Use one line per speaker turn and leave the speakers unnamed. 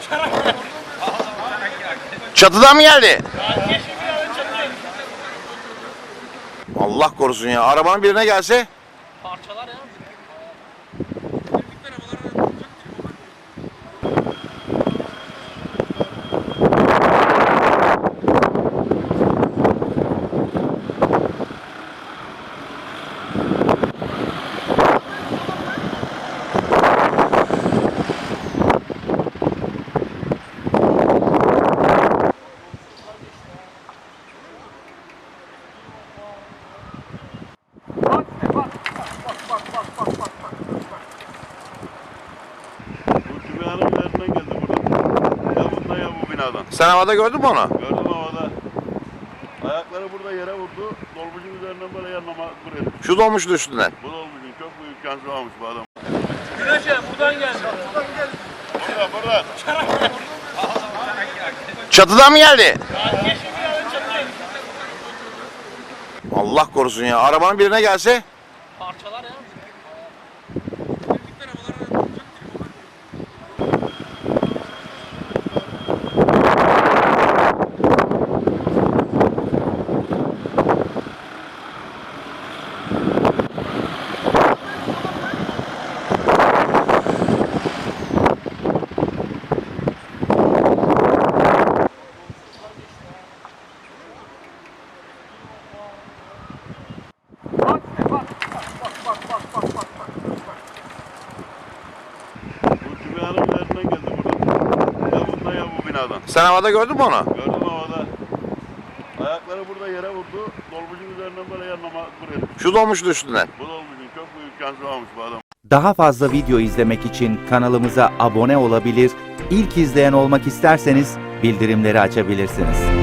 Çatıdan mı geldi? Allah korusun ya. Arabanın birine gelse?
Parçalar ya.
Bu binanın üzerinden geldi burada. Ya bundan ya bu binadan.
Sen havada gördün mü onu?
Gördüm havada. Ayakları burada yere vurdu. Dolmuşun üzerinden böyle yanlama buraya.
Şu dolmuşun üstünden.
Bu dolmuşun çok büyük şansı varmış bu adam.
Güneşe buradan geldi.
Burada.
Çatıdan mı geldi? Allah korusun ya. Arabanın birine gelse?
Parçalar ya.
Bu binanın üzerinden geldi burada. Ya bundan ya bu binadan.
Sen havada gördün mü onu?
Gördüm havada. Ayakları burada yere vurdu. Dolmuşun üzerinden böyle yanlama buraya.
Şu dolmuşun üstünden.
Bu dolmuşun çok büyük şansı varmış bu adam.
Daha fazla video izlemek için kanalımıza abone olabilir, ilk izleyen olmak isterseniz bildirimleri açabilirsiniz.